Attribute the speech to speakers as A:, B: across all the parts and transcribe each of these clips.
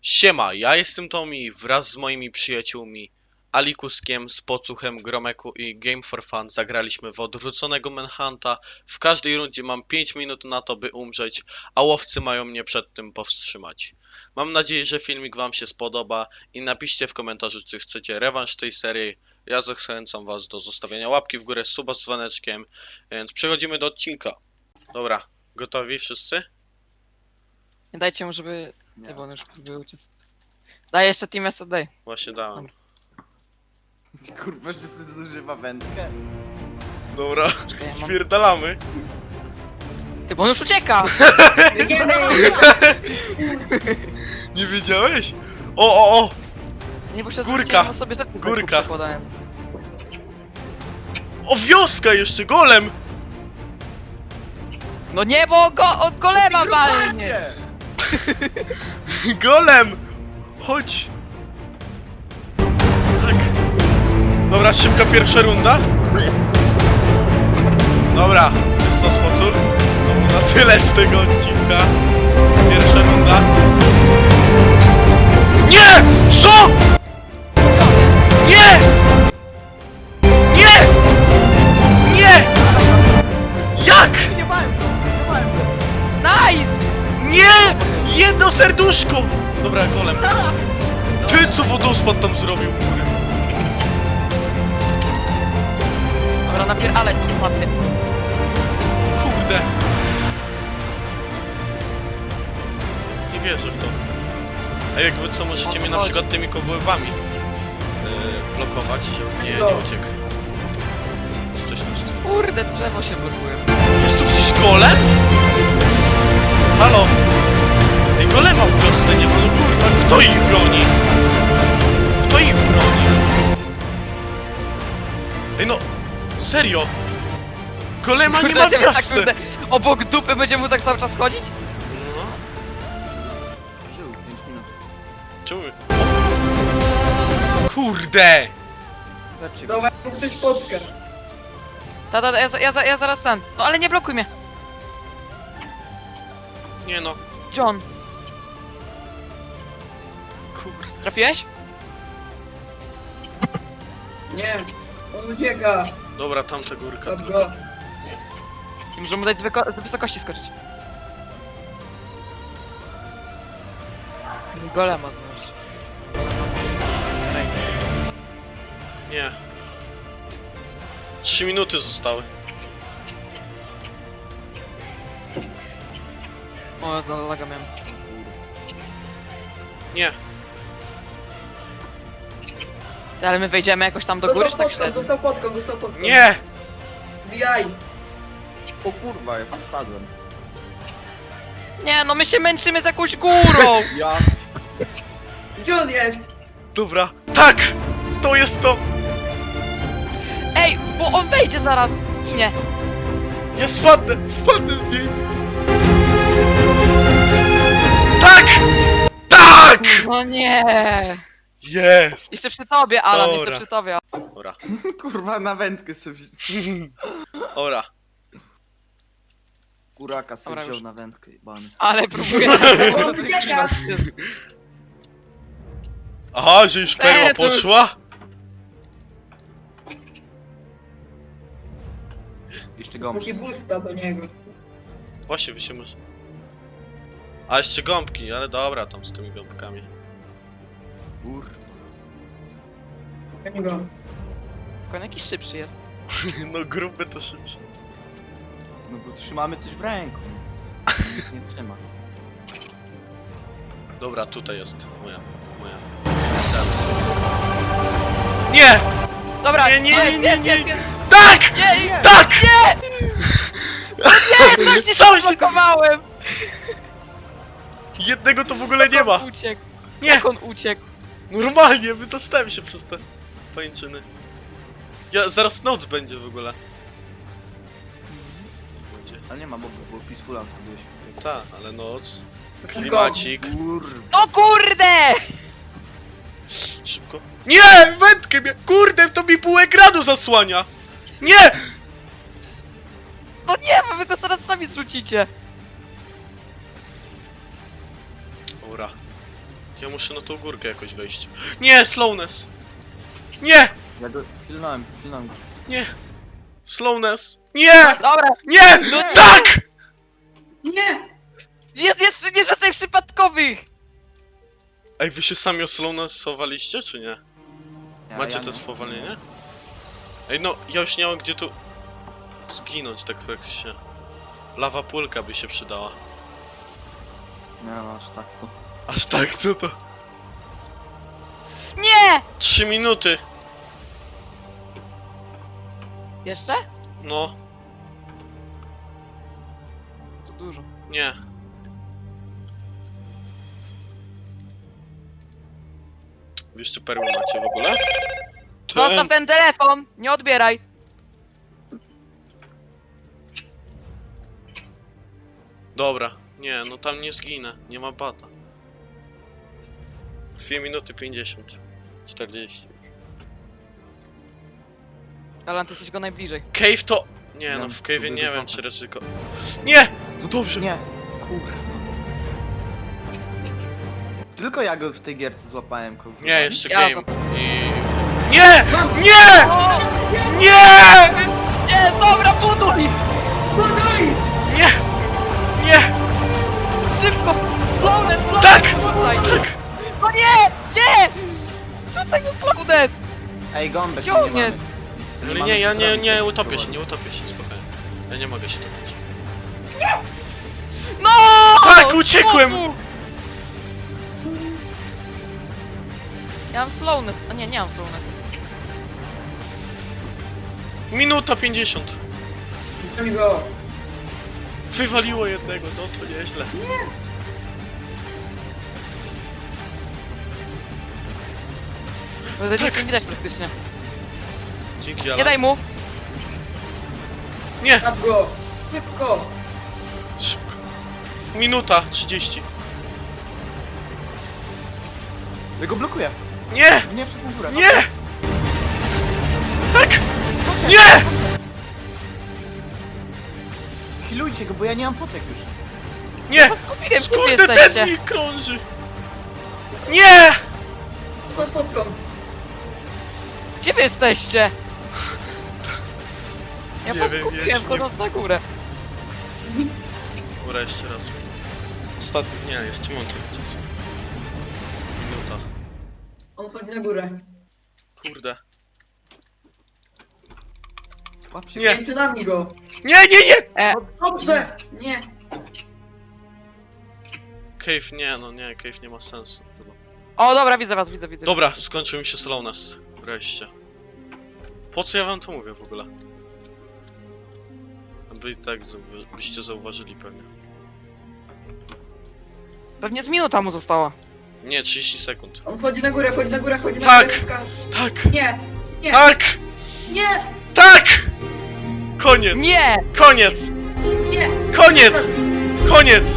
A: Siema, ja jestem Tommy wraz z moimi przyjaciółmi Alikuskiem, Spocuchem, Gromeku i Game for Fun zagraliśmy w odwróconego Manhunta. W każdej rundzie mam 5 minut na to, by umrzeć, a łowcy mają mnie przed tym powstrzymać. Mam nadzieję, że filmik wam się spodoba i napiszcie w komentarzu, czy chcecie rewanż tej serii. Ja zachęcam was do zostawienia łapki w górę, suba z dzwoneczkiem, więc przechodzimy do odcinka. Dobra, gotowi wszyscy?
B: Nie dajcie mu, żeby... Nie, bo on już próbuje uciec. Daj jeszcze Team SD.
A: Właśnie dałem.
C: Kurwa, że sobie zużywa wędkę?
A: Dobra,
B: Czekaj, ja mam-
A: spierdalamy.
B: Ty, bo on już ucieka!
A: Nie wiedziałeś? O!
B: Nie, bo się
A: Górka,
B: zwróciłem, sobie rzeczy z
A: górka.
B: ręku przekładałem.
A: O, wioska jeszcze, golem!
B: No nie, bo go od golema walnie!
A: Golem! Chodź! Tak. Dobra, szybka pierwsza runda. Dobra, jest to Spocur. To było na tyle z tego odcinka. Pierwsza runda. Nie! Co? Nie! Nie! Nie! Jak?
C: Nie bałem się, nie bałem się.
B: Nice!
A: Nie! Jedno serduszko! Dobra, golem. Ty co wodospad tam zrobił u góry?
B: Dobra, ale spadnie.
A: Kurde. Nie wierzę w to. A jak wy co, możecie mnie na przykład tymi kobłębami blokować, żeby nie uciekł. Czy coś tam z tym.
B: Kurde, drzewo się blokuje.
A: Jest tu gdzieś golem? Halo? Ej, golema w wiosce nie ma, no kurwa, kto ich broni? Kto ich broni? Ej no, serio? Golema nie ma w
B: Kurde, tak,
A: wiosce!
B: kurde, obok dupy będzie mu tak cały czas chodzić?
A: No,
C: Żył 5 minut.
A: czemu? Kurde!
C: Lecz
D: Dawaj, ktoś spotka.
B: Ja zaraz ten. No ale nie blokuj mnie.
A: Nie no,
B: John,
A: kurde.
B: trafiłeś?
D: Nie, on ucieka.
A: Dobra, tamta górka
D: Łap
A: tylko.
D: go.
B: I możemy mu dać z wysokości skoczyć. Golema znaleźć.
A: Nie. 3 minuty zostały.
B: O, za laga miałem.
A: Nie.
B: Ale my wejdziemy jakoś tam do góry, czy tak średnio?
D: Dostał podką.
A: Nie!
D: Bijaj.
C: O kurwa, ja spadłem.
B: Nie, no my się męczymy z jakąś górą!
C: Ja...
D: Gdzie on jest?
A: Dobra, tak! To jest to!
B: Ej, bo on wejdzie zaraz, zginie.
A: Ja spadnę z niej! Tak! Tak!
B: No nie.
A: Jest!
B: Jeszcze przy tobie, Alan,
A: Dobra.
B: jeszcze przy tobie.
A: Dobra,
C: Kurwa, na wędkę sobie...
A: dobra.
C: Kuraka sobie
B: Dobra,
C: wziął
B: już.
C: na wędkę, jebany.
B: Ale próbuję.
D: On ucieka.
A: Aha, że już perła
B: to już-
A: poszła?
C: Jeszcze
D: Musi
C: gąbki.
D: busta do niego.
A: Właśnie, wy się może... A jeszcze gąbki, ale dobra, tam z tymi gąbkami.
C: Kurwa.
D: Do niego.
B: Koń jakiś szybszy jest.
A: No grupy to szybciej.
C: No bo trzymamy coś w ręku. Nic nie trzyma.
A: Dobra, tutaj jest moja cel. Nie!
B: Dobra,
A: Nie.
B: jest.
A: Tak!
B: Nie,
A: Tak!
B: nie,
A: Sam się...
B: zablokowałem!
A: Jednego to w ogóle nie ma.
B: Jak on uciekł?
A: Nie!
B: Jak on uciekł?
A: Normalnie, wydostałem się przez te pajęczyny. Ja, zaraz noc będzie w ogóle. Będzie.
C: Ale nie ma, bo peaceful out byłeś.
A: Tak, ale noc. Klimacik.
C: Kurwa.
B: O kurde!
A: Szybko. Nie! Wędkę mnie! Kurde, to mi pół ekranu zasłania! Nie!
B: No nie, bo wy go zaraz sami zrzucicie.
A: Dobra. Ja muszę na tą górkę jakoś wejść. Nie, slowness! Nie!
C: Ja go pilnąłem go.
A: Nie! Slowness! Nie!
B: Dobra,
A: Nie!
B: No
A: Tak!
D: Nie!
B: jest nie rzucaj przypadkowych!
A: Ej, wy się sami oslownessowaliście, czy nie? Macie
C: ja
A: to
C: nie.
A: spowolnienie? Ej, no, ja już nie mam gdzie tu zginąć, tak praktycznie. Lawa pulka by się przydała.
C: Nie no, aż tak to.
A: Aż tak, to.
B: Nie!
A: 3 minuty!
B: Jeszcze?
A: No,
B: To dużo.
A: nie. Wy jeszcze perły macie w ogóle?
B: Zostaw ten telefon! Nie odbieraj!
A: Dobra, nie, no tam nie zginę, nie ma bata. 2 minuty 50. 40 już.
B: Alan, ty jesteś go najbliżej.
A: Cave to... Nie, no
C: Wiem,
A: w cave'ie
C: próbuję
A: nie
C: go
A: wiem,
C: złapać.
A: czy ryzyko... Nie! Dobrze!
C: Nie, kurwa. Tylko ja go w tej gierce złapałem, kurwa.
A: Nie, jeszcze
B: Ja
A: game. I... Nie! Nie!
B: O!
A: Nie!
B: Nie, dobra, buduj!
D: Buduj!
A: Nie! Nie!
B: Szybko! Slowness, slowness!
A: Tak!
B: Rzucaj!
A: Tak!
B: No nie! Nie! Rzucaj no slowness!
C: Ej, gąbek
B: Ciągnie.
C: nie mamy.
A: Ale
C: mamy
A: nie, ja
C: co
A: nie
C: zrobić.
A: utopię się, nie utopię się, spokojnie. Ja nie mogę się topić.
B: No!
A: Tak, uciekłem!
B: Znowu! Ja mam slowness. A nie, nie mam slowness.
A: Minuta 50.
D: Puszczam go.
A: Wywaliło jednego, no to nieźle.
B: Bo to nic nie widać praktycznie.
A: Dzięki,
B: Nie
A: ale...
B: daj mu!
A: Nie!
D: Traf go. Szybko.
A: Szybko. Minuta 30.
C: Ja go blokuję.
A: Nie!
C: Nie wszedł na górę.
A: Nie! Tak! Nie!
C: Healujcie go, bo ja nie mam potek już.
A: Nie!
B: Skupiłem, gdzie wy
A: Skurde, ten
B: jesteście?
A: mi krąży! Nie!
D: Co fotką?
B: Gdzie wy jesteście? Ja
A: Nie
B: was
A: wiem,
B: skupiłem,
A: ja ci nie-
B: wchodząc na górę.
A: Dobra, jeszcze raz. Ostatni... Nie, jeszcze mam trochę czasu. Minuta.
D: On chodzi na górę.
A: Kurde.
C: Łap się.
A: Nie.
D: Między nami go.
A: Nie, nie, nie!
D: Dobrze. Nie.
A: Cave, nie, no nie, cave nie ma sensu chyba.
B: O, dobra, widzę was, widzę.
A: Dobra, skończył mi się slowness. Wreszcie. Po co ja wam to mówię w ogóle? By i tak byście zauważyli pewnie.
B: Pewnie z minuta mu została.
A: Nie, 30 sekund.
D: On chodzi na górę, chodzi na górę, chodzi na
A: Tak.
D: górę. Skacz.
A: Tak!
D: Nie. Nie.
A: Tak!
D: Nie.
A: Tak! Koniec!
B: Nie!
A: Koniec!
D: Nie.
A: Koniec! Koniec!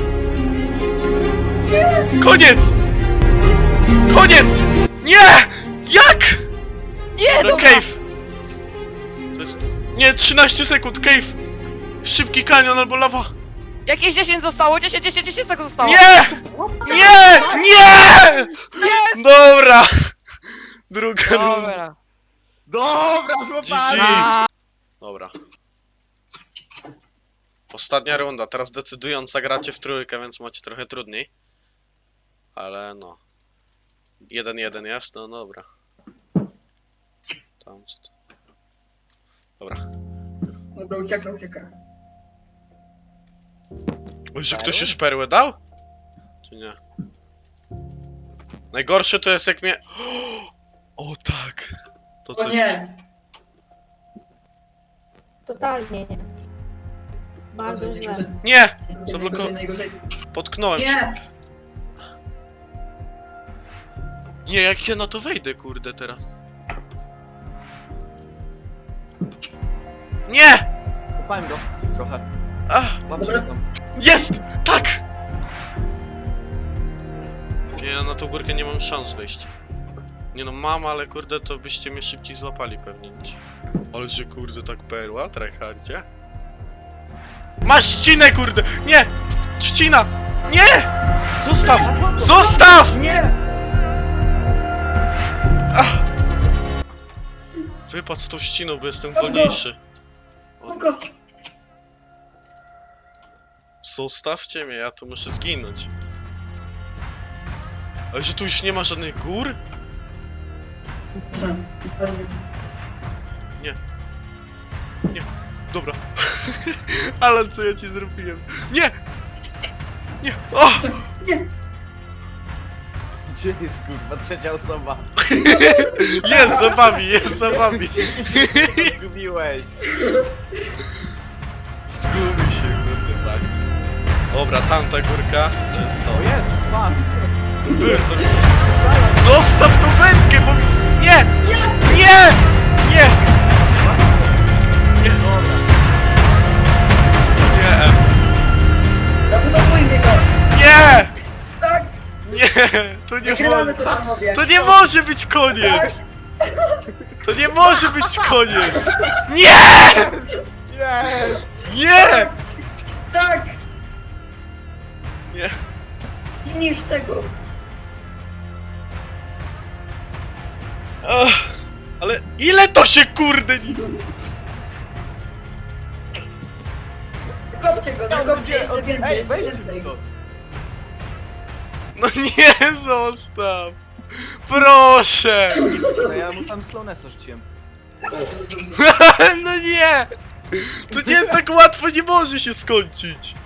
A: Koniec! Koniec! Nie! Jak?
B: Nie,
A: No
B: dobra!
A: cave! To jest... Nie, 13 sekund, cave! Szybki kanion albo lawa!
B: Jakieś 10 zostało, 10 sekund zostało!
A: Nie! Nie! Nie! Dobra! Druga runda.
B: Dobra.
C: Dobra, złapałem!
A: GG.
B: A,
A: Dobra. Ostatnia runda, teraz decydująca gracie w trójkę, więc macie trochę trudniej. Ale no. 1-1 jest, no dobra. Tam co to? Dobra.
D: Dobra, ucieka.
A: Oj, że ktoś już perłę dał? Czy nie? Najgorsze to jest jak mnie... O tak! To
D: O
A: coś...
D: nie.
E: Totalnie nie. Bardzo źle.
A: Nie!
D: Najgorzej.
A: Potknąłem się.
D: Nie.
A: Nie, jak ja na to wejdę, kurde, teraz. Nie!
C: Złapałem go. Trochę.
A: Ach,
C: Łap się tam.
A: jest! Tak! Nie, ja na tą górkę nie mam szans wejść. Nie no, mam, ale kurde, to byście mnie szybciej złapali pewnie niż... Ale że kurde, tak perła, tryhardzie. Masz trzcinę, kurde! Nie! Trzcina! Nie! Zostaw! Zostaw!
D: Nie.
A: wypadł z tą ściną, bo jestem wolniejszy.
D: No go.
A: Zostawcie mnie, ja tu muszę zginąć. Ale że tu już nie ma żadnych gór?
D: Sam. Ale nie.
A: Dobra. Ale co ja ci zrobiłem? Nie! Nie! O!
D: Nie.
C: Gdzie jest kurwa trzecia osoba?
A: Jest za wami, jest za wami.
C: Gdzie ty się zgubiłeś?
A: Zgubi się, kurde, w akcji. Dobra, tamta górka, to jest to.
C: O jest, pan!
A: Byłem cały czas. Zostaw tą wędkę, bo mi... Nie! Nie! Nie!
C: Dobra.
A: Nie!
D: Zabudowuj mnie go.
A: Nie!
D: Tak.
A: Nie! To nie
D: Wygrywamy
A: może...
D: to panowie.
A: To nie może być koniec! To nie może być koniec! Nie!
C: Jest!
A: Nie!
D: Tak.
A: Nie!
D: I niż tego.
A: Ach, ale ile to się kurde nie...
D: Zakopcie go, zakopcie jeszcze więcej,
C: Ej,
D: jeszcze
C: weź
D: więcej.
C: to.
A: No nie, zostaw! Proszę!
C: No ja mu tam slownessa rzuciłem.
A: No nie! To nie tak łatwo nie może się skończyć!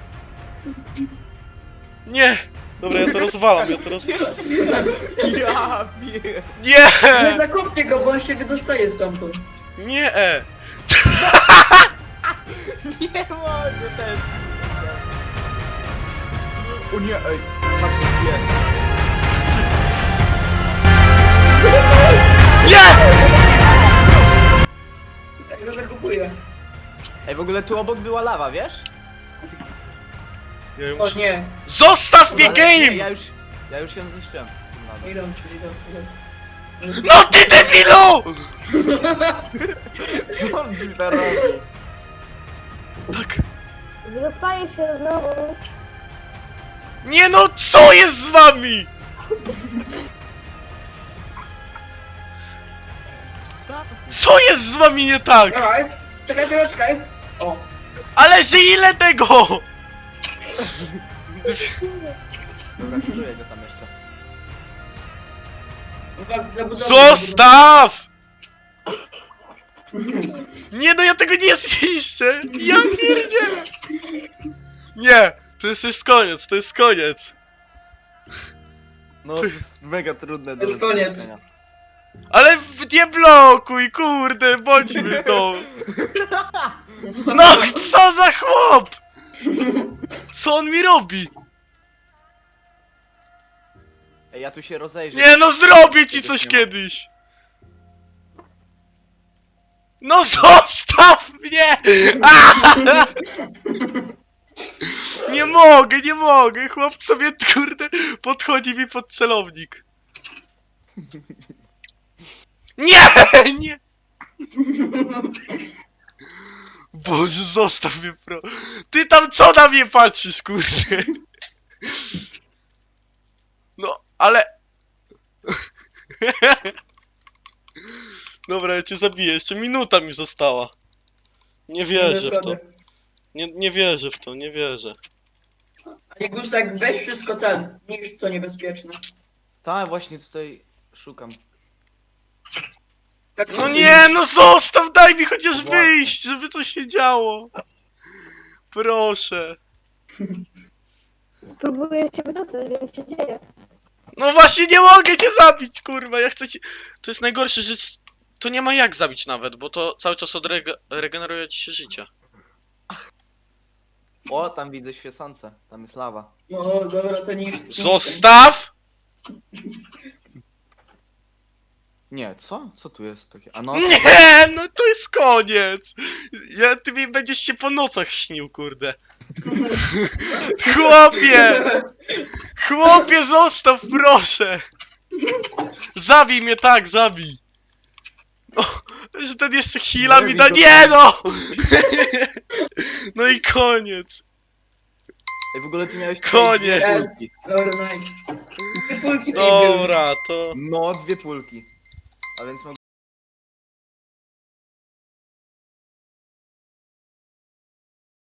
A: Nie! Dobra, ja to rozwalam, ja to rozwalam.
C: Ja pier...
A: Nie!
D: Ale zakopcie go, bo on się wydostaje stamtąd.
A: Nie!
C: Nie mogę też. O nie, ej. Patrz, jest.
A: Nie!
D: Tak go zakopuję.
C: Ej, w ogóle tu obok była lawa, wiesz?
A: Ja
D: O
A: muszę...
D: nie.
A: Zostaw mnie
C: Ale nie,
A: game!
C: ja już ją zniszczyłem. tą lawę.
D: Idą ci, idą.
A: No ty debilu!
C: Co on mi to robi?
A: Tak.
E: Wydostaje się znowu.
A: Nie no, co jest z wami? Co jest z wami nie tak?
D: Dawaj. Czekaj, czekaj, czekaj. O.
A: Ale że ile tego?
C: Dobra, kieruję go tam jeszcze.
A: Zostaw! Nie no, ja tego nie zniszczę! Ja pierdzielę! Nie! To jest koniec, to jest koniec!
C: No, to jest mega trudne do
D: jest koniec.
C: zniszczenia.
A: Ale nie blokuj, kurde, bądźmy to! No, co za chłop! Co on mi robi?
C: Ej, ja tu się rozejrzę.
A: Nie no, zrobię ci coś kiedyś! No zostaw mnie! Nie mogę, nie mogę! Chłop sobie, kurde, podchodzi mi pod celownik. Nie, nie! Boże, zostaw mnie, pro. Ty tam co na mnie patrzysz, kurde? No, ale... Dobra, ja cię zabiję, jeszcze minuta mi została. Nie wierzę w to. Nie wierzę w to, nie wierzę.
D: A nie Gustak, weź wszystko ten, niż co niebezpieczne.
C: Tak, właśnie tutaj szukam.
D: Tak,
A: No nie, no zostaw, daj mi chociaż
C: Właśnie.
A: wyjść, żeby coś się działo. Proszę.
E: Próbuję cię wydostać, wiem co się dzieje.
A: No właśnie nie mogę cię zabić, kurwa, ja chcę cię... To jest najgorsze, że to nie ma jak zabić nawet, bo to cały czas regeneruje ci się życie.
C: O, tam widzę świecące. Tam jest lawa.
D: No dobra, to niż.
A: Zostaw!
C: Nie, co? Co tu jest takie? A no,
A: Nie, no to jest koniec! Ty mi będziesz się po nocach śnił, kurde. Chłopie! Chłopie, zostaw, proszę! Zabij mnie, tak, zabij! O, że ten jeszcze heala mi da... Nie no! No i koniec.
C: ej, w ogóle ty miałeś...
A: Koniec.
C: dwie pulki.
D: Dobra, nice. Dwie kulki
A: Dobra, to...
C: No, dwie pulki. A więc